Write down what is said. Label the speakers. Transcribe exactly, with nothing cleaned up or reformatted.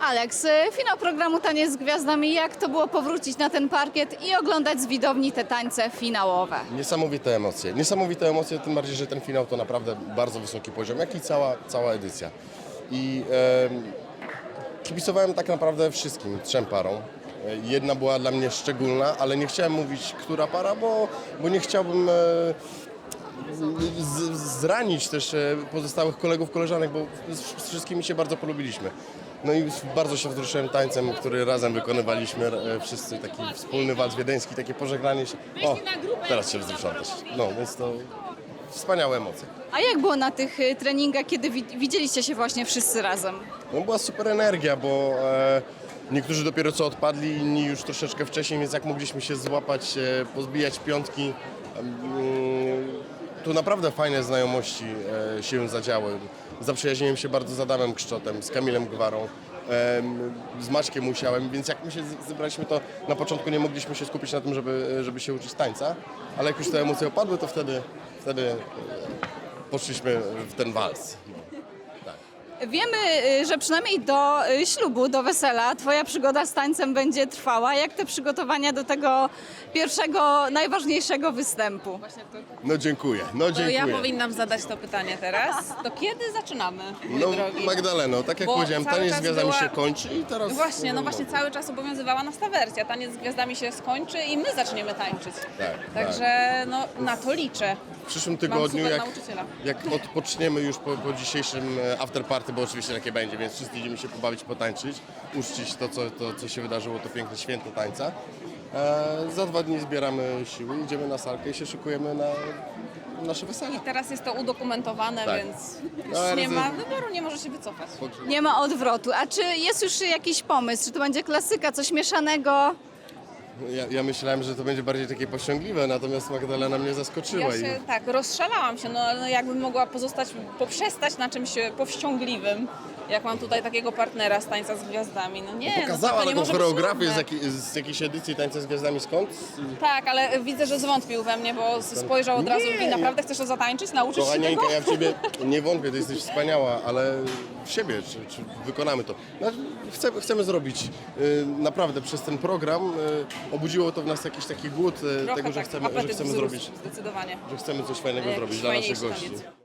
Speaker 1: Aleks, finał programu Taniec z Gwiazdami. Jak to było powrócić na ten parkiet i oglądać z widowni te tańce finałowe?
Speaker 2: Niesamowite emocje. Niesamowite emocje, tym bardziej, że ten finał to naprawdę bardzo wysoki poziom, jak i cała, cała edycja. I e, kibicowałem tak naprawdę wszystkim, trzem parom. Jedna była dla mnie szczególna, ale nie chciałem mówić, która para, bo, bo nie chciałbym e, z, zranić też e, pozostałych kolegów, koleżanek, bo z, z wszystkimi się bardzo polubiliśmy. No i bardzo się wzruszyłem tańcem, który razem wykonywaliśmy e, wszyscy, taki wspólny walc wiedeński, takie pożegnanie się. O, teraz się wzruszam też. No, więc to wspaniałe emocje.
Speaker 1: A jak było na tych y, treningach, kiedy wi- widzieliście się właśnie wszyscy razem?
Speaker 2: No była super energia, bo e, niektórzy dopiero co odpadli, inni już troszeczkę wcześniej, więc jak mogliśmy się złapać, e, pozbijać piątki, e, tu naprawdę fajne znajomości e, się zadziały. Zaprzyjaźniłem się bardzo z Adamem Kszczotem, z Kamilem Gwarą, e, z Maćkiem Musiałem, więc jak my się z- zebraliśmy, to na początku nie mogliśmy się skupić na tym, żeby, żeby się uczyć tańca, ale jak już te emocje opadły, to wtedy, wtedy e, poszliśmy w ten wals.
Speaker 1: Wiemy, y, że przynajmniej do y, ślubu, do wesela twoja przygoda z tańcem będzie trwała. Jak te przygotowania do tego pierwszego, najważniejszego występu?
Speaker 2: No dziękuję, no
Speaker 3: To
Speaker 2: dziękuję.
Speaker 3: ja powinnam zadać to pytanie teraz. To kiedy zaczynamy, mój
Speaker 2: No
Speaker 3: drogi?
Speaker 2: Magdaleno, tak jak
Speaker 3: Bo
Speaker 2: powiedziałem,
Speaker 3: cały
Speaker 2: taniec z
Speaker 3: czas
Speaker 2: gwiazdami
Speaker 3: była-
Speaker 2: się kończy i teraz...
Speaker 3: Właśnie, no właśnie cały czas obowiązywała nas ta wersja. Taniec z gwiazdami się skończy i my zaczniemy tańczyć.
Speaker 2: Tak,
Speaker 3: Także no, na to liczę.
Speaker 2: W przyszłym
Speaker 3: Mam
Speaker 2: tygodniu,
Speaker 3: super
Speaker 2: jak,
Speaker 3: nauczyciela.
Speaker 2: jak odpoczniemy już po, po dzisiejszym e, afterparty, bo oczywiście takie będzie, więc wszyscy idziemy się pobawić, potańczyć, uczcić to, co, to, co się wydarzyło, to piękne święto tańca. E, za dwa dni zbieramy siły, idziemy na salkę i się szykujemy na nasze wesele.
Speaker 3: Teraz jest to udokumentowane,
Speaker 2: Tak.
Speaker 3: więc
Speaker 2: No,
Speaker 3: już
Speaker 2: ale
Speaker 3: nie
Speaker 2: to-
Speaker 3: ma wyboru, nie może się wycofać.
Speaker 1: Nie ma odwrotu. A czy jest już jakiś pomysł? Czy to będzie klasyka, coś mieszanego?
Speaker 2: Ja, ja myślałem, że to będzie bardziej takie powściągliwe, natomiast Magdalena mnie zaskoczyła.
Speaker 3: Ja się tak, rozszalałam się, no ale jakbym mogła pozostać, poprzestać na czymś powściągliwym, jak mam tutaj takiego partnera z Tańca z Gwiazdami. No nie,
Speaker 2: I pokazała
Speaker 3: no, to nie
Speaker 2: taką
Speaker 3: może być
Speaker 2: choreografię z,
Speaker 3: trudne.
Speaker 2: jakiej, z jakiejś edycji Tańca z Gwiazdami. Skąd?
Speaker 3: Tak, ale widzę, że zwątpił we mnie, bo spojrzał od razu i
Speaker 2: Nie.
Speaker 3: mówi, naprawdę chcesz to zatańczyć, nauczyć się
Speaker 2: Kochanieńka,
Speaker 3: tego?
Speaker 2: ja w Ciebie nie wątpię, Ty jesteś wspaniała, ale w siebie, czy, czy wykonamy to. No, chcemy, chcemy zrobić y, naprawdę przez ten program, y, obudziło to w nas jakiś taki głód y,
Speaker 3: Trochę
Speaker 2: tego, że
Speaker 3: tak,
Speaker 2: chcemy, że
Speaker 3: apetyt
Speaker 2: chcemy
Speaker 3: wzrósł,
Speaker 2: zrobić,
Speaker 3: zdecydowanie.
Speaker 2: że chcemy coś fajnego
Speaker 3: Jakiś
Speaker 2: zrobić dla naszych
Speaker 3: fajniejszy
Speaker 2: gości.
Speaker 3: taniec.